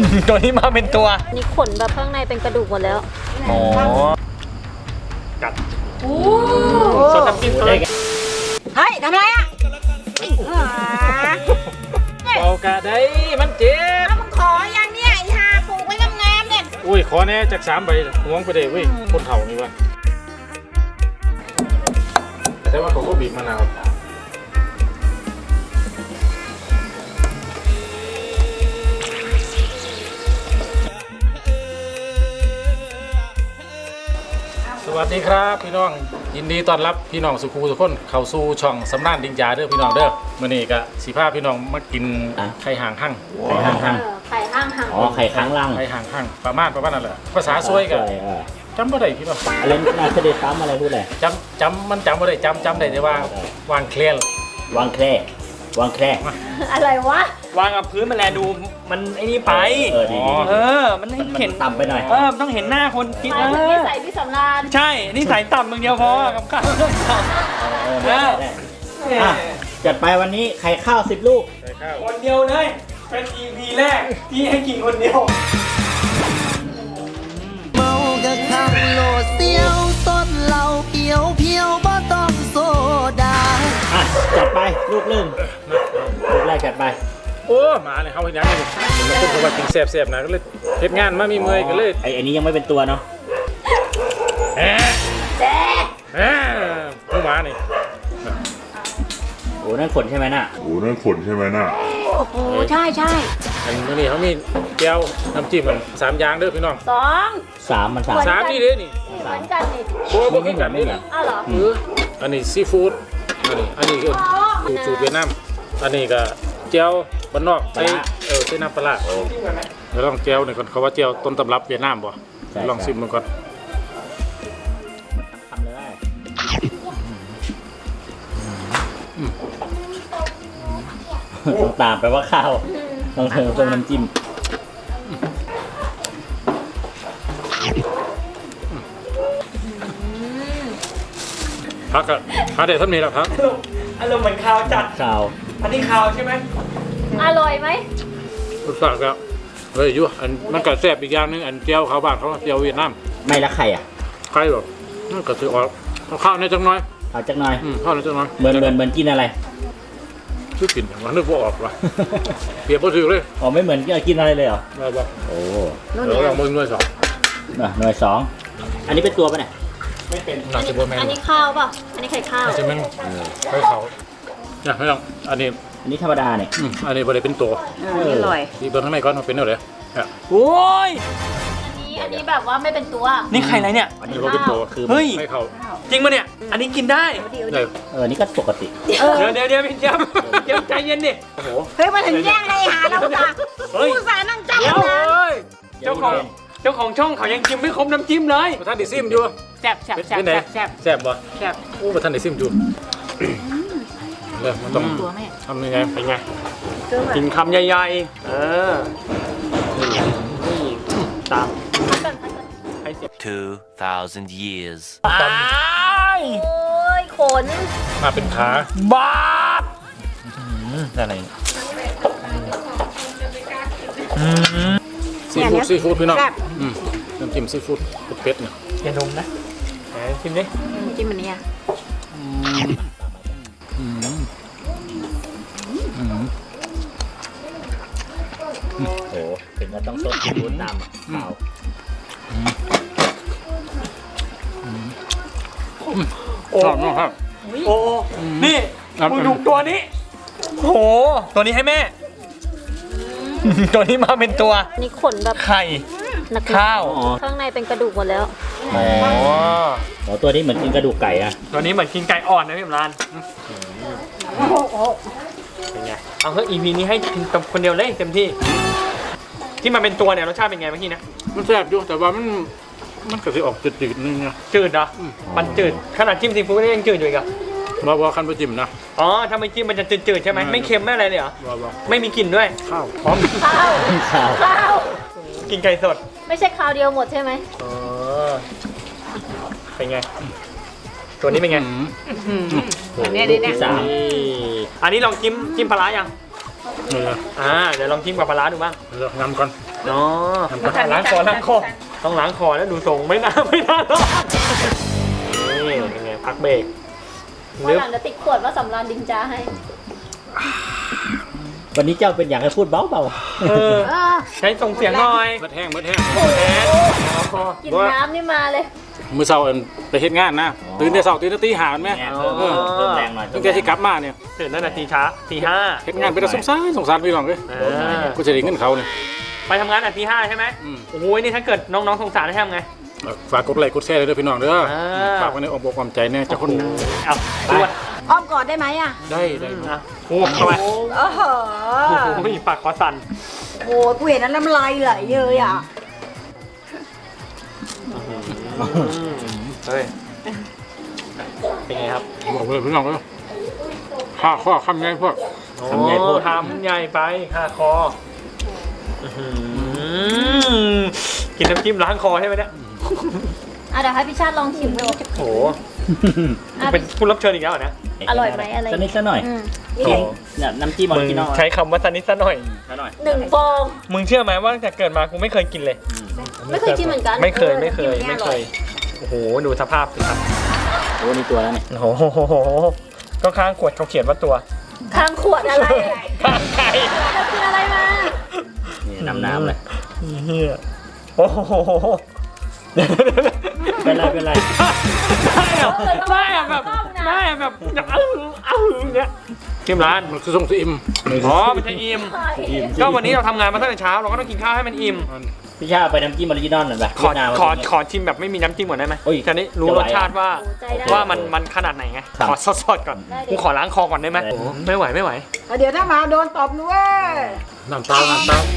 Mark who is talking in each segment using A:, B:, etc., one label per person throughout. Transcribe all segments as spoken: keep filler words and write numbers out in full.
A: ตัวนี้มาเป็นตัว
B: นี่ขนแบบข้างในเป็นกระดูกหมดแล้ว
A: อ๋อกัดสดน้ำจิ้มเลย
B: เฮ้ยทำไรอ่ะ
A: เบากะได้มันเจ็บ
B: มึงขออย่างเนี้ยไอ้ฮาปลูกไว้งามๆเนี่ย
A: อุ้ยขอแน่จากสามใบห่วงไปเลยเว้ยคนเฒ่านี่วะแต่ว่าเขาก็บีบมะนาวสวัสดีครับพี่น้องยินดีต้อนรับพี่น้องสุขุทุกคนเข้าสู่ช่องสำนักดิงยาเด้อพี่น้องเด้อมื้อนี้ก็สิพาพี่น้องมากินไข่ห่างหั่งไข่ห่างหั่ง
B: ไข่ห่างหั่ง
C: อ๋อไข่ค้างล่าง
A: ไข่ห่างหั่งประมาณประมาณนั่นแหละภาษาซวยก็จำบ่ได้พี่น้อง
C: อะไรน่าจะได้ซ้ำอะไรพูดอะไร
A: จำจำมันจำบ่ได้จำจำได้แต่ว่าวางเคลียร์
C: วางแคร่วางแคร่
B: อะไรวะ
D: วางกับพื้นมันแลดูมันไอ้นี่ไป
C: เออดี
D: เออมันให้เห็น
C: ต่ำไปหน่อย
D: เออต้องเห็นหน้าคนกิน
B: เออใส่พี่สำราญ
D: ใช่นี่ใส่ต่ำมึงเดียวพอกับข้าวเรื่องต่ำ
C: ได้ได้จัดไปวันนี้ไข่ข้าวสิบลูก
D: คนเดียวเลยเป็น อี พี แรกที่ให้กินคนเดียว
E: เมากะขังโหลดเสียวต้นเหล่าเพียวเพียวบ่ต้องโซดา
C: อ่ะจัดไปลูกหนึ่งลูกแรกจัดไป
A: โอ้มาเลยเขาเห็นยังไงมันเป็นคนว่ากินแซ่บๆนะก็เลยเฮ็ดงานมามีเมื่อยก็เลย
C: ไอ้อันนี้ยังไม่เป็นตัวเนาะ
A: แหมแหมผู้มานี่
C: โอ้นั่นขนใช่ไหมน่ะ
F: โอ้นั่นขนใช่ไหมน่ะ
B: โอ้โหใช่ใช่
A: อันนี้เขามีแก้วน้ำจิ้มมันสามอย่างเด้อพี่น้อง
B: สอง
C: สามมันสาม
A: สามนี่เด้อนี่
B: เหมือนกันนี่
A: โอ้ไม่เหมือนไม่เหมือน
B: อ้าวเหรอ
A: เอออันนี้ซีฟู้ดอันนี้อันนี้คือสูตรเวียดนามอันนี้ก็เจียวบ้านนอกใส่เออใส่น้ำปลาเดี๋ยวลองเจียวหน่อยก่อนเขาว่าเจียวต้นตำรับเวียดนามบ่ลองชิมมันก่อน
C: ทำเลยต้องตามไปว่าข้าวต้องเติมเติมน้ำจิ้ม
A: พักอะพักเดี๋ยวท่านมีแล้วครับ
D: อารมณ์เหมือนข้าวจัด
C: ข้าว
D: อันนี้ข้าวใช่ไหม
B: อร่อยไหม
A: รสชาติก็เฮ้ยยุ่อันมันก็แซ่บอีกอย่างนึงอันเจียวเขาบ้านเขาเจียวเวียดนาม
C: ไม่ละไข่อ่ะ
A: ไข่แบบมันก็ถือออกข้าวในจังน้อย
C: เอาจังน้อย
A: ข้าวในจังน้อย
C: เหมือนเหมือนเหมือนกินอะไร
A: ชื่อกินมันนึกว่าออกว่ะเปรียบบ่ถือเลย
C: อ๋อไม่เหมือนกินอะไรเลยเหรอ
A: ไม่บอก
C: โอ้
A: เดี๋ยวลองมือหน่วยสอง
C: หน่วยสองอันนี้เป็นตัวป่ะเนี่ย
A: ไม่เป็นน่าจะบัวแมง
B: อันนี้ข้าวป่ะอันนี้ไข่ข้าว
A: น่าจะแมงไข่เขาเนี่ยไม่ต้องอันนี้
C: อันนี้ธรรมดาเนี่ย
A: อันนี้บริเป็นตัว
B: อร่อย
A: ที่เบิ้งข้างในก้อนมันเป็นอะไร
D: โอ้ย
B: อันนี้อันนี้แบบว่าไม่เป็นตัว
D: นี่ไข่อะไรเนี่ย
A: อันนี้ว่าเป็นตัวคือ
D: เฮ้ย
A: ไข่เขา
D: จริงปะเนี่ยอันนี้กินได้
C: เออนี่ก็ปกติ
D: เดี๋ยวเดี๋ยวเดี๋ยวพี่จ๊บเดี๋ยวใจเย็นดิ
B: โอ้โหเฮ้ยมาถึงแย่งเลยหาเราจ้ะผู้สานั่งจ้องนะ
D: เจ้าของเจ้าของช่องเขายังกินไม่ครบน้ำจิ้มเลย
A: ท่านดิซิมอยู่
D: แซ่บแซ่บแซ่บแซ่บ
A: แซ่บบ่
D: แซ่บ
A: โอ้ท่านดิซิมอยู่เลยมันต้องทำยังไงเป็นไง
D: กินคำใหญ่ๆเออตาม
G: two thousand years
D: ตาย
B: โอ้ยขน
A: มาเป็นขา
D: บ้า
A: อะไรซีฟู้ดซีฟู้ดพี่น้องน้ำจิ้มซีฟู้ดเป็ดเนี่ย
D: อย่าดมนะแหมชิมดิ
B: จิ้มอันนี้อ่ะ
C: โอ้ถึงก็ต้องสดกินน้ำอ่ะเปล่า
D: โอ้ครับโอ้นี่มึงดูตัวนี้โอ้ตัวนี้ให้แม่ตัวนี้มาเป็นตัว
B: นี่ขนแบบ
D: ไข่ข้าว
B: ข้างในเป็นกระดูกหมดแล้ว
C: อ๋อตัวนี้เหมือนกินกระดูกไก่อะ
D: ตัวนี้เหมือนกินไก่อ่อนนะพี่มรานเป็นไงเอาเฮ้ย อี พี นี้ให้กินคนเดียวเลยเต็มที่ที่มันเป็นตัวเนี่ยรสชาติเป็นไงเมื่อกี้นะ
A: มันแซ่บอยู่แต่ว่ามันมันก็จะออกจืดๆนึงนะ
D: จืดเหรอมันจืดขนาดจิ้มซีฟู้ดก็ยังจืดอยู่อีกอ่ะ
A: ว่าว่าคันไปจิ้มนะ
D: อ๋อถ้าไม่จิ้มมันจะจืดๆใช่ไหมไม่เค็มไม่อะไรเลยเหรอไม่มีกลิ่นด้วย
A: ข้าว
D: พร้อม
B: ข้าวข้าว
D: กินไก่สด
B: ไม่ใช่ข้าวเดียวหมดใช่ไหม
D: อ๋อเป็นไงตัวนี้เป็นไง
B: อันนี้นี่เนี่ย
D: อันนี้ลองจิ้มจิ้มปลาร้ายัง
A: เออ
D: อ่าเดี๋ยวลองจิ้มกับปลาร้าดูบ้าง
A: เอองำก่อน
D: เนาะล้างคอล้างคอต้องล้างคอแล้วดูทรงไม่น่าไม่น่ารอดนี่เป็นไงพักเบรก
B: วันหลังจะติดขวดว่าสำรานดิงจ้าให้
C: วันนี้เจ้าเป็นอย่างให้พูดเบาเบา
D: เออใช้ส่งเสียงหน่อย
A: เบิดแห้งเบิดแห้ง
D: แอนล้างคอ
B: กินน้ำนี่มาเลย
A: มื้อเช้าอันไปเฮ็ดงานนะตื่นแต่เช้าตื่นแต่ตีห้าแม่นไหม
C: เพิ่มเพิ่มแรงหน่อย
A: ตั้งแต่ที่กลับมาเนี่ย
D: ตื่นตั้งแต่ตีช้าตีห้า
A: เฮ็ดงานไปแต่สงสารสงสารพี่น้องเอ้ย
D: อ่า
A: กูจะได้เงินเขาเนี่ย
D: ไปทำงานแต่ตีห้าใช่ไหม
A: อืม
D: โอ้ยนี่ถ้าเกิดน้องๆสงสารได้ทำไง
A: ฝากกดไลค์กดแชร์เลยเด้อพี่น้องเด้อ
D: อ่า
A: ฝากไว้ในอ้อมอกอ้อมใจแน่เจ้าคน
D: เอาไป
B: อ้อมกอดได้ไหมอ่ะ
A: ได้ได้
D: อ่ะโอ้เข้าไป
B: โอ้โห
D: โอ้โหปากคอสั่น
B: โอ้กูเห็นนั้นน้ำลายไหลเลยอ่ะ
D: เฮ้ยเป็นไงครับ
A: บอกเลยพี่น้องเอ้ยข้าข้อคำไงพวก
C: ทำใหญ่โพด
D: ทำใหญ่ไปค่าคออื้อหือกินน้ำจิ้มล้างคอใช่ไหมเนี่ย
B: อ่ะเดี๋ยวให้พี่ชาติลองชิมดู
D: โอ้โหเป็นผู้รับเชิญอีกแล้วเหรอเนี่ย
B: อร่อยไหมอะไร
C: สักนิดสักหน่อย
B: อืม
C: กินเนี่ยน้ำจิ้มออ
D: มึ
C: ริ
D: ง
C: จินอล
D: ใช้คำว่าสันนิดสักหน่อย
C: สักหน่อย
B: หนึ่งฟอง
D: มึงเชื่อไหมว่าตั้งแต่เกิดมากูไม่เคยกินเลย
B: ไม่เคยกินเหมือนกัน
D: ไม่เคยไม่เคยไม่เคย โอ้โหดูสภาพสิครับ
C: โอ้นี่ตัวแล้วเนี่ย
D: โอ้โหก็ข้างขวดเขาเขียนว่าตัว
B: ข้างขวดอะไร
D: ข้างไก่
B: จะกินอะไรมา
C: นี่น้ำน้ำเลย
D: เฮียโอ้โห
C: เป็นไรเป็นไร
D: ได้อะได้อะแบบได้อะแบบอย่างอ้าวอ้าวอย่างเงี้ยชิมร้าน
A: มันคือส่งสิอิ่ม
D: อ๋อมันจะอิ่มก็วันนี้เราทำงานมาตั้งแต่เช้าเราก็ต้องกินข้าวให้มันอิ่ม
C: พี่ชาเอาไปน้ำจิ้มออริจินอลหน่อยไป
D: ขอ
C: เวียดนาม
D: ขอขอชิมแบบไม่มีน้ำจิ้มก่อนได้ไหม
C: โอ้ย
D: จะได้รู้
C: จะไหว
D: รสชาติว่า
B: โอ้ใจได้
D: ว่ามันมันขนาดไหนไง
C: ครับ
D: ขอสดๆก่อน
B: ได้ดิ
D: กูขอล้างคอก่อนได้ไหม
C: ได้
D: โอ้ไม่ไหวไม่ไหว
B: เดี๋ยวถ้ามาโดนตบด้วย
A: น้ำตาลน้ำตาล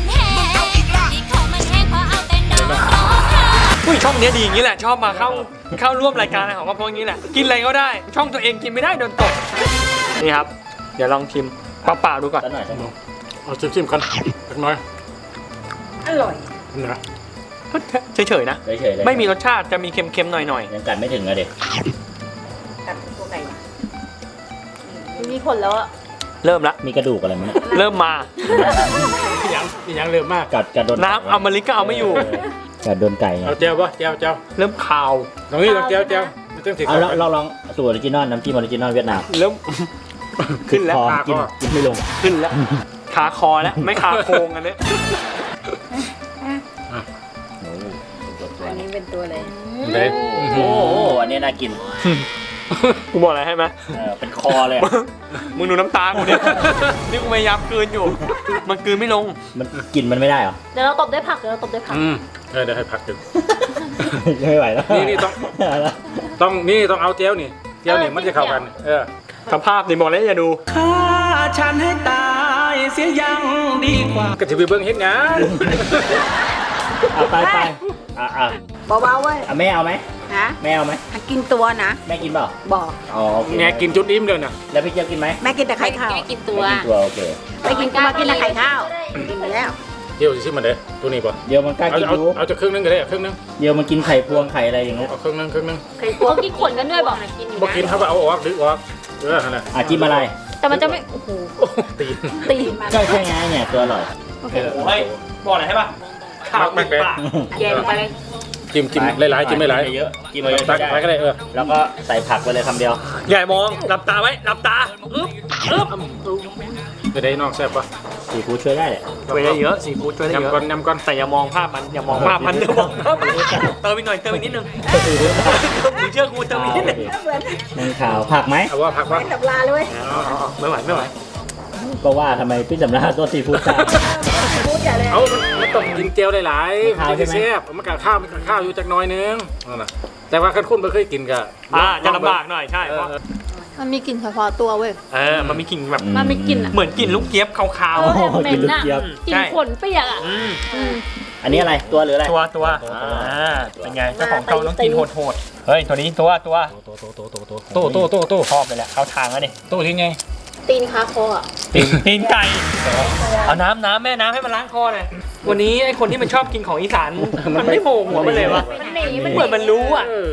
D: อุ้ยช่องเนี้ยดีอย่างนี้แหละชอบมาเข้าเข้าร่วมรายการอะไรของก็เพราะอย่างนี้แหละกินอะไรก็ได้ ช่องตัวเองกินไม่ได้โดนตกนี่ครับ เดี๋ยวลองชิมเปล่าๆดูก่อน
C: สักหน่อยสักหน่อย
A: เอาชิมๆกันสักหน่อย
B: อร่อย
A: นะ
D: เฉยๆนะ
C: เฉยๆเลย
D: ไม่มีรสชาติจะมีเค็มๆหน่อย
C: ยังกัดไม่ถึงอะเด็ก
B: กับตัวไก่มีผลแล้วอ่ะ
D: ๆเริ่มละ
C: มีกระดูกอะไรมั้ยเนี่ย
D: เริ่มมา
A: พี่ยังพี่ยังเร็วมาก
C: กัดกัดโดน
D: น้ำอมฤตก็เอาไม่อยู่
C: กัดโดนไก่ไง
A: เอาเจียวปะเจียวเจียว
D: เริ่มคาว
A: ตรงนี้ตรงเจียวเจียวไม่ต้องถึง
C: เอาลองลองลองสูตรออริจินอลน้ำจิ้มออริจินอลเวียดนาม
D: เริ่ม ขึ้นแล้ว
C: คอกินกินไม่ลง
D: ขึ้นแล้วคาคอแล้วไม่คาโครงอันนี้
C: โอ้โหตัวตัว
B: อัน
C: นี้
B: นี้เป็นตัวเลย
A: เด็ด
C: โอ้โหอันนี้น่ากิน
D: กูบอกอะไรให้ไหม
C: เออเป็นคอเลยอะ
D: มึงดูน้ำตากูเนี่ยนี่กูพยายามกลืนอยู่ มันกลืนไม่ลง
C: มันกินมันไม่ได้เหรอ
B: เดี๋ยวเราตบด้วยผักเดี๋ยวเราตบด้วยผัก
A: อืมเออเดี๋ยวให้พักดึง
C: ไม่ไหวแล้ว
A: นี่นี่ต้อง ต้องนี่ต้องเอาเจียวนี่เจียวนี่มันจะเข้ากัน เออ
D: สภาพนี่บอกแล้วอย่าดู
E: ฉันให้ตายเสียยังดีกว่า
A: ก็ถือไปเบิ้งเฮ็ดงาน
C: เอาไปไปอ่ะอ่ะ
B: เบาๆเว้ย
C: อ่ะแม่เอาไหม
B: ฮะ
C: แม่เอาไหม
B: กินตัวนะ
C: แม่กินเปล่า
B: บอก
C: อ๋อโอเค
A: แงกินจุดอิ่มเลยนะ
C: แล้วพี่เจี๊ยบกินไหม
B: แม่กินแต่ไข่ข้าว
C: กินตัวกินตัวโอเค
B: ไปกินก็มากินแต่ไข่ข้าวกินไปแล้ว
A: เจียวสิชิมมันเด้ตัวนี้ป่ะ
C: เดี๋ยวมันกล้า
A: เอา
C: กิน
A: เอา
C: รู้
A: เอาจะครึ่งนึงก็ได้ครึ่งนึง
C: เดี๋ยวมันกินไข่พวงไข่อะไรอย่างเงี้ย
A: เอาครึ่งนึงครึ่งนึง
B: ไข่พวกกินขนกันด้วยบอกกิน
A: บ่กินเขาก็เอาออกดึกออกเออนั่นแหละ
C: อ่ะจิ้มอะไร
B: แต่มันจะไม่โอ้โห
A: โอ้ตีน
B: ตีมัน
C: ก็ใช่ไงเนี่ยตัวอร่อย
B: โอเค
D: เฮ้ย บอกอะไรให้ป่ะข้าวติดปาก
B: แกงไปเลย
A: จิ้มจิ้มหลายๆจิ้มหลาย
C: เยอะจิ้ม
A: ๆ
C: เยอะ
A: ตัก
C: ได้
A: ไปก็ได้เออ
C: แล้วก็ใส่ผักไปเลยคำเดียว
D: ใหญ่มองหลับตาไว้หลับตาอึ๊บอึ๊บ
A: จะได้นอกแซ่บป่ะ
C: สีฟู้ดช่วยได้แหละ
D: ช่วยได้เยอะซีฟู้ดช่วยได้เย
A: ยำ
D: อะ
A: ก่อนยำก่อน
D: แต่อย่ามองภาพมันอย่ามองภาพมันอย่ามองภาพมันเติมอีกหน่อยเติมอีกนิดนึงมึงเชื่อกูเติมอีกนิดนึง
C: นั่งข่าวผักไหม
A: เอาว่าผักว่า
B: ไม่ดับลาเลยเว้ย
D: อ๋ออ๋ออ๋อไม่ไหวไม่ไหว
C: ก็ว่าทำไมพี่สำราญตัวซีฟู้ดจ้า
B: พูดใหญ่เลย
A: เอามันมันต้องกินเจียวหลายๆ
C: ข้าว
A: มันจะ
C: ใช่ไหม
A: แซ่บมันกัดข้าวมันกัดข้าวอยู่จักหน้อยนึงนั่นน่ะแต่ว่าคันคุณบ่เคยกินก็
D: อ่าจะลำบากหน่อยใช่
A: เอ
D: เพ
A: อ
D: ราะ
A: เออ
B: มันมีกลิ่นเฉพาะตัวเว้ย
D: เออมันมีกลิ่นแบบ
B: มันมีกลิ่นอะ
D: เหมือนกลิ่นลูกเจี๊ยบขาว
C: โอ้โหกินลูกเจี๊ยบ
B: กลิ่นขนเปียกอ่ะ
D: ๆอืม
B: อืม
C: อันนี้อะไรตัวหรืออะไร
D: ตัวตัวอ่าเป็นไงเจ้าของเก่าต้องกินโหดๆเฮ้ยตัวนี้ตัวตัว
A: โตโตโตโตโตโตโตโตโต
D: ชอบเลยแหละเข้าทางแล้วนี่
A: โตที่ไง
B: ตีนคาคออ่ะ
D: ตีนตีนไก่เอาน้ำน้ำแม่น้ำให้มันล้างคอหน่อยวันนี้ไอ้คนที่มันชอบกินของอีสานมันไม่โผล่หัวมันเลยวะ
B: มันหนี
D: มั
B: มัน น
D: เหมือนมันรู้อ่ะ
A: เออ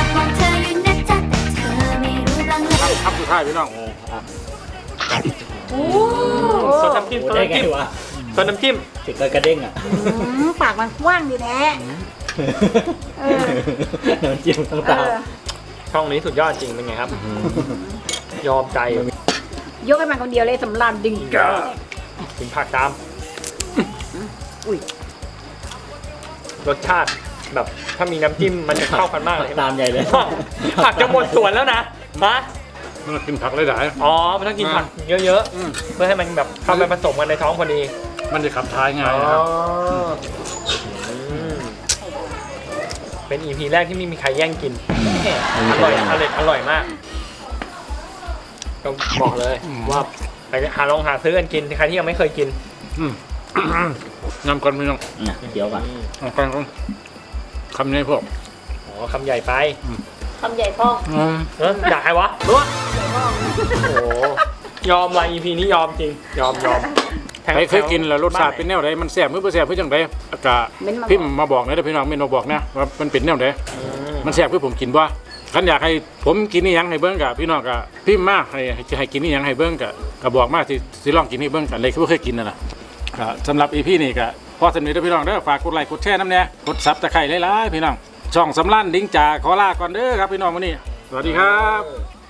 A: คำสุดท้ายพี่น้อง
B: โอ้
D: ซดน้ำจิ้ม
C: โอ้
D: ซด
C: ได้
D: น้ำ
C: ไง
D: จิ้ม
C: วะ
D: ซดน้ำจิ้ม
C: ถึงกระเด้งอ่ะ
B: อืมปากมันกว้างดีแท้ เออ
C: น้ำจิ้มต้อง
B: เอ
C: ตาม
B: อ
D: ช่องนี้สุดยอดจริงเป็นไงครับ ยอมใจ
B: ยกให้มันคนเดียวเลยสำรานดึง
D: ถึงผักตาม
B: อุ้ย
D: รสชาติแบบถ้ามีน้ำจิ้มมันจะเข้ากันมากเลย
C: ตามใหญ่เลย
D: ผักจะหมดสวนแล้วนะฮะ
A: มันกินผักหลาย
D: อ๋อ มันต้องกินผักเยอะ
A: ๆอืม
D: ๆ เพื่อให้มันแบบเข้าไปผสมกันในท้องพอดี
A: มันจะขับท้ายง่าย
D: อ๋อ
A: นะครับ
D: อืมเป็น อี พี แรกที่ไม่มีใครแย่งกิน อร่อย อร่อย อร่อยมากต้องบอกเลยว่าไปหาลองหาซื้อกันกินใครที่ยังไม่เคยกิน
A: อืม น้ำก่อนพี่น้อง
C: น่ะเดี๋ยวก่อน
A: น้ำก่อนก่อนคำนี้พวก
D: อ๋อคำใหญ่ไป
B: คำใหญ่พ่อง
A: อืม
D: เออด่าใครวะรู้วะโอ้โหยอมว่ะ อี พี นี้ยอมจริง ยอมยอม
A: ใครเคยกินแล้วรสชาติเป็นแนวไหนมันแซ่บหรือบ่แซ่บเพื่อจังไดกะ
B: เม้นมา
A: พิมพ์มาบอกนะเด้อพี่น้องเมนมาบอกนะว่ามันเป็นแนวไหน
D: อืม
A: มันแซ่บเพื่อผมกินบ่คันอยากให้ผมกินนี่ยังให้เบิ่งกะพี่น้องกะพิมพ์มาให้ให้ให้กินนี่ยังให้เบิ่งกะก็บอกมาสิสิลองกินนี่เบิ่งกันเลยคือบ่เคยกินนั่นน่ะก็สำหรับ อี พี นี้ก็พอสนิทเด้อพี่น้องเด้อฝากกดไลค์กดแชร์นำแน่กด ซับ ตะไคร้หลายๆพี่น้องช่องสำรานดิ้งจ่าขอลาก่อนเด้อครับพี่น้องมื้อนี้สวัสดีครับ